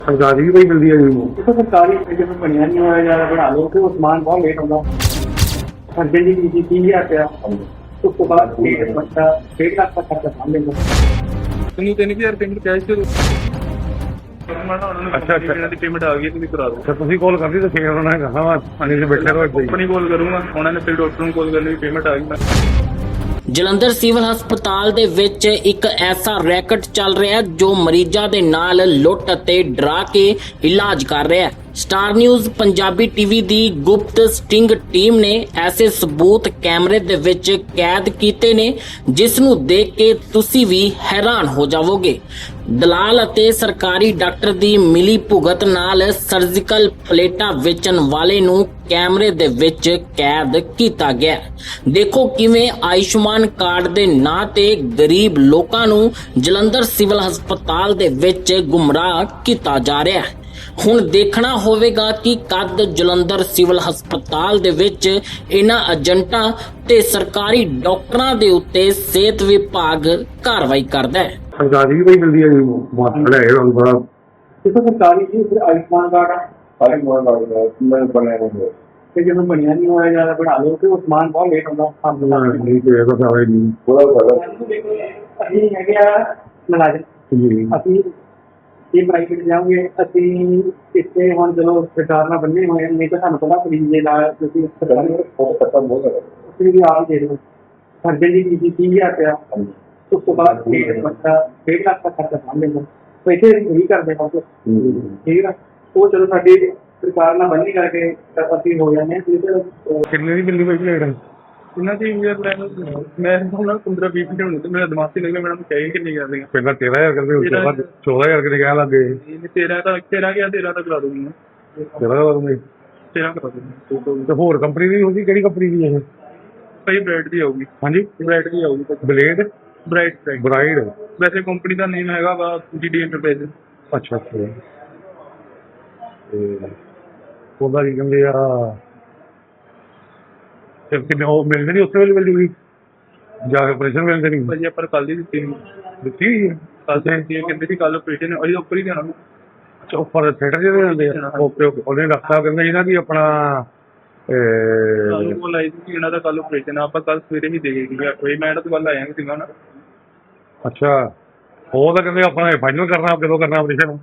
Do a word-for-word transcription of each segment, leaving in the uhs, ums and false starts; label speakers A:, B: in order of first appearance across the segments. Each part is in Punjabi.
A: सरकारी भी कोई मिलती है जी वो
B: देखो सरकारी जिसमें बढ़िया नहीं होया ज्यादा बढ़ा लो तो सामान बहुत लेट होगा अर्जेंट की चीज तीन हजार रुपया तो उसके बाद डेढ़ बच्चा डेढ़ लाख का खर्चा सामने
C: ਤੈਨੂੰ ਤਿੰਨ ਹਜ਼ਾਰ ਪੇਮੈਂਟ ਕੈਸ਼ ਦੇ ਦੋ
A: ਅੱਛਾ ਅੱਛਾ
C: ਇਹਨਾਂ ਦੀ ਪੇਮੈਂਟ ਆ ਗਈ ਤੁਸੀਂ ਕਰਾ ਦਿਓ
A: ਅੱਛਾ ਤੁਸੀਂ ਕਾਲ ਕਰਦੀ ਤਾਂ ਫੇਰ ਉਹਨਾਂ ਨੇ ਕਹਾ ਵਾ ਪਾਣੀ ਦੇ ਬੈਠੇ ਰਹੋ ਇੱਥੇ
C: ਕੰਪਨੀ ਕਾਲ ਕਰੂੰਗਾ ਉਹਨਾਂ ਨੇ ਫਿਰ ਡਾਕਟਰ ਨੂੰ ਕਾਲ ਕਰਨੀ ਪੇਮੈਂਟ ਆ ਗਈ
D: ਜਲੰਧਰ ਸਿਵਲ ਹਸਪਤਾਲ ਦੇ ਵਿੱਚ ਇੱਕ ਐਸਾ ਰੈਕਟ ਚੱਲ ਰਿਹਾ ਹੈ ਜੋ ਮਰੀਜ਼ਾਂ ਦੇ ਨਾਲ ਲੁੱਟ ਅਤੇ ਡਰਾ ਕੇ ਇਲਾਜ ਕਰ ਰਿਹਾ ਹੈ। ਸਟਾਰ ਨਿਊਜ਼ ਪੰਜਾਬੀ ਟੀਵੀ ਦੀ ਗੁਪਤ ਸਟਿੰਗ ਟੀਮ ਨੇ ਐਸੇ ਸਬੂਤ ਕੈਮਰੇ ਦੇ ਵਿੱਚ ਕੈਦ ਕੀਤੇ ਨੇ ਜਿਸ ਨੂੰ ਦੇਖ ਕੇ ਤੁਸੀਂ ਵੀ ਹੈਰਾਨ ਹੋ ਜਾਵੋਗੇ। ਦਲਾਲ ਅਤੇ ਸਰਕਾਰੀ ਡਾਕਟਰ ਦੀ ਮਿਲੀ ਭੁਗਤ ਨਾਲ ਸਰਜੀਕਲ ਪਲੇਟਾਂ ਵੇਚਣ ਵਾਲੇ ਨੂੰ ਕੈਮਰੇ ਦੇ ਵਿੱਚ ਕੈਦ ਕੀਤਾ ਗਿਆ। ਦੇਖੋ ਕਿਵੇਂ ਆਯੁਸ਼ਮਾਨ ਕਾਰਡ ਦੇ ਨਾਂ ਤੇ ਗਰੀਬ ਲੋਕਾਂ ਨੂੰ ਜਲੰਧਰ ਸਿਵਲ ਹਸਪਤਾਲ ਦੇ ਵਿੱਚ ਗੁੰਮਰਾਹ ਕੀਤਾ ਜਾ ਰਿਹਾ ਹੈ। ਹੁਣ ਦੇਖਣਾ ਹੋਵੇਗਾ ਕਿ ਕਦ ਜਲੰਧਰ ਸਿਵਲ ਹਸਪਤਾਲ ਦੇ ਵਿੱਚ ਇਹਨਾਂ ਏਜੰਟਾਂ ਤੇ ਸਰਕਾਰੀ ਡਾਕਟਰਾਂ ਦੇ ਉੱਤੇ ਸਿਹਤ ਵਿਭਾਗ ਕਾਰਵਾਈ ਕਰਦਾ ਹੈ।
A: सरकारी भी कोई मिलती है जी वो मास्टर है और बड़ा
B: देखो सरकारी जी फिर आयुष्मान कार्ड
A: आयुष्मान कार्ड मैं बना है
B: फिर जिसमें बढ़िया नहीं होया ज्यादा बढ़ा लो तो सामान बहुत लेट होगा
A: नहीं तो ये तो सारे नहीं पूरा सारा
B: ਅਸੀਂ ਹੈਗੇ ਆ ਮੁਲਾਜ਼ਮ
A: जी
B: ਅਸੀਂ ਇਹ ਪ੍ਰਾਈਵੇਟ ਜਾਓਗੇ ਅਸੀਂ ਇੱਥੇ ਹੁਣ ਚਲੋ ਸਰਕਾਰ ਨਾਲ ਬੰਨੇ ਹੋਏ ਹਾਂ, ਨਹੀਂ ਤਾਂ ਸਾਨੂੰ ਪਤਾ ਫਰੀ ਦੇ ਨਾਲ ਤੁਸੀਂ
A: खत्म हो गया
B: ਤੁਸੀਂ ਵੀ ਆਪ ਹੀ ਦੇ ਦਿਓ ਸਰਜਨ ਦੀ ਫੀਸ तीन हजार रुपया ਉਸ ਤੋਂ ਬਾਅਦ डेढ़ बच्चा डेढ़ लाख का खर्चा सामने तो इसे नहीं करते बस ठीक है ਉਹ ਚਲੋ ਸਾਡੀ ਸਰਕਾਰ ਨਾਲ ਬੰਨੀ ਕਰਕੇ ਅਸੀਂ ਹੋ ਜਾਂਦੇ ਹਾਂ ਫਿਰ
A: कितने की मिलती भाई लेट
C: ਇਹਨਾਂ ਦੀ ਯਾਰ ਮੈਂ ਹੁਣ ਪੰਦਰਾਂ ਵੀਹ ਮਿੰਟ ਹੋਣੇ ਤੇ ਮੇਰਾ ਦਿਮਾਗ ਤੇ ਲੱਗਿਆ ਮੈਨੂੰ ਚਾਹੀਏ ਕਿੰਨੀ ਕਰ ਦੇਗਾ
A: पहला तेरह हजार करते उसके बाद चौदह हजार करके कह लगे
C: ਤੇਰਾ ਤਾਂ ਤੇਰਾ ਗਿਆ ਤੇਰਾ ਤਾਂ ਕਰਾ ਦੂੰਗੀ ਮੈਂ
A: तेरह हजार में
C: ਤੇਰਾ ਕਰਾ ਦੂੰਗੀ
A: तो होर कंपनी दी होगी केड़ी कंपनी दी है
C: ਭਾਈ ਬ੍ਰਾਈਟ ਦੀ ਆਊਗੀ
A: हाँ जी
C: ਬ੍ਰਾਈਟ ਦੀ ਆਊਗੀ
A: ब्लेड
C: ਬ੍ਰਾਈਟ ਬ੍ਰਾਈਟ
A: ब्राइड
C: ਵੈਸੇ ਕੰਪਨੀ ਦਾ ਨੇਮ ਹੈਗਾ ਵਾ ਜੀ ਡੀ ਐਂਟਰਪ੍ਰਾਈਜ਼
A: अच्छा अच्छा ਤੇ ਉਹਦਾ ਕੀ ਕਹਿੰਦੇ ਆ ਤੇ ਕਿੰਨੇ ਉਹ ਮਿਲਦੇ ਨਹੀਂ ਉਸੇ ਵੇਲੇ ਮਿਲ ਜੂਗੀ ਜਾ ਕੇ ਆਪਰੇਸ਼ਨ ਮਿਲਦੇ ਨਹੀਂ
C: ਭਾਜੀ ਆਪਾਂ ਕੱਲ ਦੀ ਦਿੱਤੀ ਨਹੀਂ
A: ਦਿੱਤੀ ਹੋਈ ਹੈ
C: ਕੱਲ ਤੇ ਦਿੱਤੀ ਕਹਿੰਦੇ ਸੀ ਕੱਲ ਆਪਰੇਸ਼ਨ ਅਸੀਂ ਉੱਪਰ ਹੀ ਜਾਣਾ
A: ਅੱਛਾ ਉੱਪਰ ਥੀਏਟਰ ਜਿਹਦੇ ਹੁੰਦੇ ਆ ਓਕੇ ਓਕੇ ਉਹਨੇ ਡਾਕਟਰ ਸਾਹਿਬ ਕਹਿੰਦੇ ਸੀ ਨਾ ਕਿ ਆਪਣਾ
C: ਸਾਨੂੰ ਕੋਲ ਆਈ ਸੀ ਇਹਨਾਂ ਦਾ ਕੱਲ ਆਪਰੇਸ਼ਨ ਆ ਆਪਾਂ ਕੱਲ ਸਵੇਰੇ ਹੀ ਦੇ ਗਏ ਅੱਠ ਵਜੇ ਮੈਂ ਤਾਂ ਕੱਲ ਆਇਆ ਨਹੀਂ ਸੀਗਾ ਨਾ
A: ਅੱਛਾ ਉਹ ਤਾਂ ਕਹਿੰਦੇ ਆਪਣਾ ਫਾਈਨਲ ਕਰਨਾ ਕਦੋਂ ਕਰਨਾ ਆਪਰੇਸ਼ਨ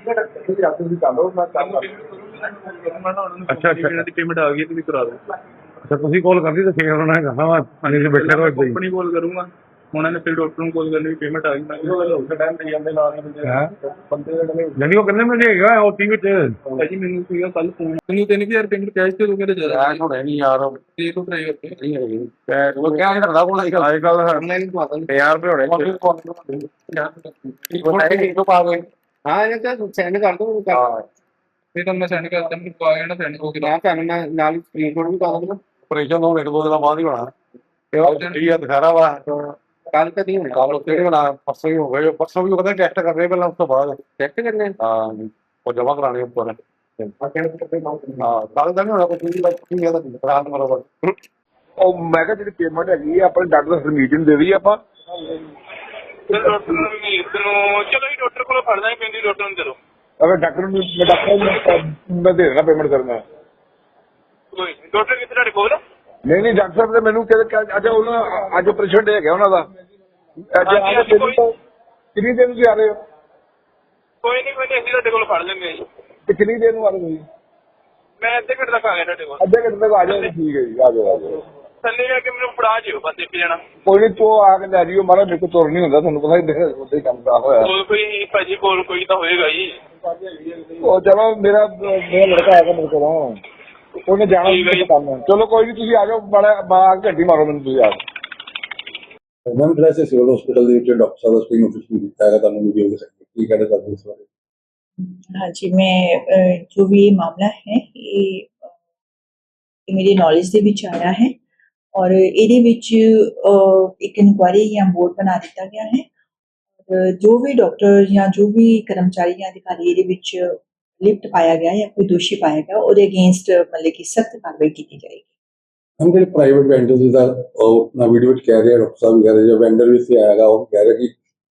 A: ਅੱਛਾ ਅੱਛਾ
C: ਇਹਨਾਂ ਦੀ ਪੇਮੈਂਟ ਆ ਗਈ ਤੁਸੀਂ ਕਰਾ ਦਿਓ
A: ਅੱਛਾ ਤੁਸੀਂ ਕਾਲ ਕਰਦੀ ਤਾਂ ਫੇਰ ਉਹਨਾਂ ਨੇ ਕਹਾ ਵਾ ਪਾਣੀ ਦੇ ਬੈਠੇ ਰਹੋ ਇੱਥੇ
C: ਕੰਪਨੀ ਕਾਲ ਕਰੂੰਗਾ ਉਹਨਾਂ ਨੇ ਫਿਰ ਡਾਕਟਰ ਨੂੰ ਕਾਲ ਕਰਨੀ ਪੇਮੈਂਟ ਆ ਗਈ ਮੈਂ ਟਾਈਮ ਤੇ ਜਾਂਦੇ ਨਾਲ ਬੰਦੇ ਦੇ
A: ਨਹੀਂ ਉਹ ਕਹਿੰਦੇ ਮੈਨੂੰ ਹੈਗਾ ਉਹ ਟੀ ਵਿੱਚ
C: ਭਾਜੀ ਮੈਨੂੰ ਸੀਗਾ ਕੱਲ ਫੋਨ ਤੈਨੂੰ ਤਿੰਨ ਹਜ਼ਾਰ ਪੇਮੈਂਟ ਕੈਸ਼ ਤੇ ਦੋ ਮੇਰੇ ਜ਼ਿਆਦਾ
A: ਕੈਸ਼ ਹੋਣਾ ਨਹੀਂ ਯਾਰ
C: ਦੇ ਦੋ ਟਰਾਈ ਕਰਕੇ
A: ਨਹੀਂ ਹੈਗੀ ਕੈਸ਼ ਉਹ ਕਿਆ ਕਰਦਾ ਕੋਲ ਅੱਜ ਕੱਲ ਆਨਲਾਈਨ ਪਾ ਦਿੰਦੇ ਪੰਜਾਹ ਰੁਪਏ ਹੋਣੇ ਇੱਕ ਪਾ ਦੇ ਹਾਂ ਇਹ ਤਾਂ ਸੈਂਡ ਕਰ ਦੋ ਹਾਂ
C: ਫਿਰ ਤਾਂ ਮੈਂ ਸੈਂਡ ਕਰਦਾ ਮੈਨੂੰ ਪਾ ਗਿਆ ਨਾ ਸੈਂਡ ਹੋ ਗਿਆ
A: ਨਾ ਤੁਹਾਨੂੰ ਮੈਂ ਨਾਲ ਸਕਰੀਨਸ਼ਾਟ ਵੀ ਪਾ ਦਿੰਦਾ ਆਪਰੇਸ਼ਨ ਤੋਂ ਇੱਕ ਦੋ ਦਿਨਾਂ ਬਾਅਦ ਹੀ ਹੋਣਾ ਤੇ ਉਹ ਠੀਕ ਆ ਦਿਖਾ ਵਾ ਕੱਲ ਤਾਂ ਨਹੀਂ ਹੋਣਾ ਕੱਲ ਕਿਹੜੇ ਬਣਾ ਪਰਸੋਂ ਹੀ ਹੋ ਗਏ ਪਰਸੋਂ ਵੀ ਉਹਦਾ ਟੈਸਟ ਕਰਨੇ ਪਹਿਲਾਂ ਉਸ ਤੋਂ ਬਾਅਦ ਟੈਸਟ ਕਰਨੇ ਹਾਂ ਉਹ ਜਮਾ ਕਰਾਣੇ ਉੱਪਰ ਹਾਂ ਕੱਲ ਤਾਂ ਨਹੀਂ ਹੋਣਾ ਕੋਈ ਵੀ ਕੀ ਹੈ ਤਾਂ ਰਾਤ ਬਰੋਬਰ
E: ਉਹ ਮੈਂ ਕਿਹਾ ਜਿਹੜੀ ਪੇਮੈਂਟ ਹੈਗੀ ਆ ਆਪਣੇ ਡਾਕਟਰ ਸਰਮੀਤ ਨੂੰ ਦੇ ਦਈਏ ਆਪਾਂ
C: ਡਾਕਟਰ ਨੂੰ ਚਲੋ ਜੀ ਡਾਕਟਰ ਕੋਲ ਫੜਨਾ ਹੀ ਪੈਂਦੀ ਡਾਕਟਰ ਨੂੰ ਚਲੋ
E: ਅਗਰ ਡਾਕਟਰ ਨੂੰ ਮੈਂ ਡਾਕਟਰ ਨੂੰ ਮੈਂ ਦੇ ਦੇਣਾ ਪੇਮੈਂਟ ਕਰਨਾ
C: ਕੋਈ ਡਾਕਟਰ ਕਿੱਥੇ ਤੁਹਾਡੇ ਕੋਲ
E: ਨਹੀਂ ਨਹੀਂ ਡਾਕਟਰ ਸਾਹਿਬ ਨੇ ਮੈਨੂੰ ਕਹਿੰਦੇ ਅੱਛਾ ਉਹਨਾਂ ਅੱਜ ਆਪਰੇਸ਼ਨ ਡੇ ਹੈਗਾ ਉਹਨਾਂ ਦਾ ਅੱਜ ਆ ਕੇ ਕਿੰਨੀ ਦਿਨ ਤੁਸੀਂ ਆ ਰਹੇ ਹੋ
C: ਕੋਈ ਨਹੀਂ ਕੋਈ ਨਹੀਂ ਅਸੀਂ ਤੁਹਾਡੇ ਕੋਲ ਫੜ ਲੈਂਦੇ ਜੀ
E: ਤੇ ਕਿੰਨੀ ਦਿਨ ਨੂੰ ਆ ਰਹੇ ਤੁਸੀਂ
C: ਮੈਂ ਅੱਧੇ ਘੰਟੇ ਤੱਕ ਆ ਗਿਆ ਤੁਹਾਡੇ ਕੋਲ
E: ਅੱਧੇ ਘੰਟੇ ਤੱਕ ਆ ਜਾਓ ਠੀਕ ਹੈ ਜੀ ਆ ਜਾਓ ਆ ਜਾਓ
C: ਥੱਲੇ ਜਾ ਕੇ ਮੈਨੂੰ ਫੜਾ ਜਿਓ ਬਸ ਇੱਕ ਜਣਾ
E: ਕੋਈ ਨਹੀਂ ਤੂੰ ਆ ਕੇ ਲੈ ਜਿਓ ਮਾਰਾ ਮੇਰੇ ਕੋਲ ਤੁਰ ਨਹੀਂ ਹੁੰਦਾ ਤੁਹਾਨੂੰ ਪਤਾ ਹੀ ਉੱਥੇ ਕੰਮ ਦਾ ਹੋਇਆ
C: ਕੋਲ ਕੋਈ ਭਾਜੀ ਕੋਲ ਕੋਈ ਤਾਂ ਹੋਏਗਾ ਜੀ
E: ਉਹ ਚਲੋ ਮੇਰਾ ਮੇਰਾ ਲੜਕਾ ਆਏਗਾ ਮੇਰੇ ਕੋਲ ਉਹਨੇ ਜਾਣਾ ਸੀ ਕੰਮ ਚਲੋ ਕੋਈ ਨਹੀਂ ਤੁਸੀਂ ਆ ਜਾਓ ਬੜਾ ਬਾਹਰ ਘੱਟੀ ਮਾਰੋ ਮੈਨੂੰ ਤੁਸੀਂ ਆ ਜਾਓ
F: ਮੈਮ ਜਿਹੜਾ ਅਸੀਂ ਸਿਵਲ ਹਸਪੀਟਲ ਦੇ ਵਿੱਚ ਡਾਕਟਰ ਸਾਹਿਬ ਦਾ ਸਕਰੀਨ ਆਫਿਸ ਵੀ ਦਿੱਤਾ ਹੈਗਾ ਤੁਹਾਨੂੰ ਵੀਡੀਓ ਦੇ ਸਕਦੇ ਕੀ कहना चाहते हैं इस बारे
G: हाँ जी मैं जो भी ये मामला है ये ये मेरी नॉलेज ਦੇ ਵਿੱਚ ਆਇਆ ਹੈ ਔਰ ਇਹਦੇ ਵਿੱਚ ਇੱਕ ਇਨਕੁਆਇਰੀ ਜਾਂ ਬੋਰਡ ਬਣਾ ਦਿੱਤਾ ਗਿਆ ਹੈ ਔਰ ਜੋ ਵੀ ਡਾਕਟਰ ਜਾਂ ਜੋ ਵੀ ਕਰਮਚਾਰੀ ਜਾਂ ਅਧਿਕਾਰੀ ਇਹਦੇ ਵਿੱਚ ਲਿਪਟ ਪਾਇਆ ਗਿਆ ਜਾਂ ਕੋਈ ਦੋਸ਼ੀ ਪਾਇਆ ਗਿਆ ਉਹਦੇ ਅਗੇਂਸਟ ਮਤਲਬ ਕਿ ਸਖਤ ਕਾਰਵਾਈ ਕੀਤੀ ਜਾਏਗੀ।
F: हम ਜਿਹੜੇ ਪ੍ਰਾਈਵੇਟ ਵੈਂਡਰਸ ਦਾ ਉਹ ਨਾ ਵੀਡੀਓ ਵਿੱਚ ਕਹਿ ਰਹੇ ਡਾਕਟਰ ਸਾਹਿਬ ਕਹਿ ਰਹੇ ਜੋ ਵੈਂਡਰ ਵੀ ਸੀ ਆਏਗਾ ਉਹ ਕਹਿ ਰਿਹਾ ਕਿ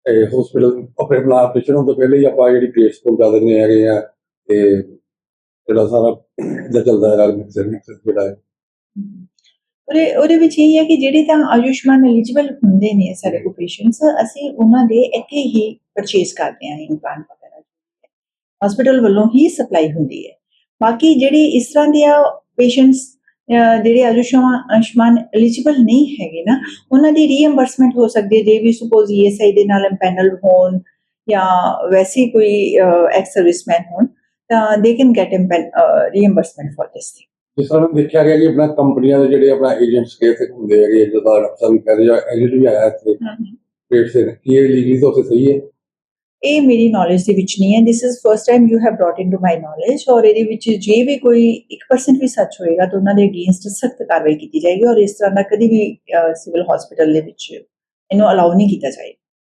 F: ਹਸਪੀਟਲ ਆਪਣੇ ਆਪਣਾ ਆਪਰੇਸ਼ਨ ਹੋਣ ਤੋਂ ਪਹਿਲੇ ਹੀ ਆਪਾਂ ਜਿਹੜੀ ਕੇਸ ਪਹੁੰਚਾ ਦਿੰਦੇ ਹੈਗੇ ਆ ਤੇ ਜਿਹੜਾ ਸਾਰਾ ਇੱਦਾਂ ਚੱਲਦਾ ਹੈਗਾ ਮਿਕਸਰ ਮਿਕਸਰ ਜਿਹੜਾ ਹੈ
G: ਉਹਦੇ ਉਹਦੇ ਵਿੱਚ ਇਹ ਹੈ ਕਿ ਜਿਹੜੇ ਤਾਂ ਆਯੁਸ਼ਮਾਨ ਐਲੀਜੀਬਲ ਹੁੰਦੇ ਨੇ ਸਾਡੇ ਕੋਲ ਪੇਸ਼ੈਂਟਸ, ਅਸੀਂ ਉਹਨਾਂ ਦੇ ਇੱਥੇ ਹੀ ਪਰਚੇਸ ਕਰਦੇ ਹਾਂ ਇੰਪਲਾਂਟ ਵਗੈਰਾ, ਹਸਪੀਟਲ ਵੱਲੋਂ ਹੀ ਸਪਲਾਈ ਹੁੰਦੀ ਹੈ। ਬਾਕੀ ਜਿਹੜੇ ਇਸ ਤਰ੍ਹਾਂ ਦੇ ਪੇਸ਼ੈਂਟਸ ਜਿਹੜੇ ਆਯੁਸ਼ਮਾਨ ਆਯੁਸ਼ਮਾਨ ਐਲੀਜੀਬਲ ਨਹੀਂ ਹੈਗੇ ਨਾ, ਉਹਨਾਂ ਦੀ ਰੀਇੰਬਰਸਮੈਂਟ ਹੋ ਸਕਦੀ ਹੈ ਜੇ ਵੀ ਸਪੋਜ਼ ਈ ਐਸ ਆਈ ਦੇ ਨਾਲ ਪੈਨਲ ਹੋਣ ਜਾਂ ਵੈਸੇ ਕੋਈ ਐਕਸ ਸਰਵਿਸਮੈਨ ਹੋਣ, ਤਾਂ they can get reimbursement for this thing.
F: ਜਿਸ ਤਰ੍ਹਾਂ ਦੇਖਿਆ ਗਿਆ ਕਿ ਆਪਣਾ ਕੰਪਨੀਆਂ ਦੇ ਜਿਹੜੇ ਆਪਣਾ ਏਜੰਟਸ ਕੇ ਇੱਥੇ ਹੁੰਦੇ ਹੈਗੇ, ਜਿੱਦਾਂ ਡਾਕਟਰ ਵੀ ਕਹਿੰਦੇ ਜਾਂ ਏਜੰਟ ਵੀ ਆਇਆ ਇੱਥੇ ਪੇਟ ਸੇ, ਕੀ ਇਹ ਲੀਗਲੀ ਤੌਰ ਤੇ ਸਹੀ ਹੈ?
G: ਇਹ ਮੇਰੀ ਨੌਲੇਜ ਦੇ ਵਿੱਚ ਨਹੀਂ ਹੈ। This is first time you have brought into my knowledge, ਔਰ ਇਹਦੇ ਵਿੱਚ ਜੇ ਵੀ ਕੋਈ ਇੱਕ ਪਰਸੈਂਟ ਵੀ ਸੱਚ ਹੋਏਗਾ ਤਾਂ ਉਹਨਾਂ ਦੇ ਅਗੇਂਸਟ ਸਖਤ ਕਾਰਵਾਈ ਕੀਤੀ ਜਾਏਗੀ, ਔਰ ਇਸ ਤਰ੍ਹਾਂ ਦਾ ਕਦੀ ਵੀ ਸਿਵਲ ਹਸਪੀਟਲ ਦੇ ਵਿੱਚ ਇਹਨੂੰ ਅਲਾਉ ਨਹੀਂ ਕੀਤਾ ਜਾਏਗਾ।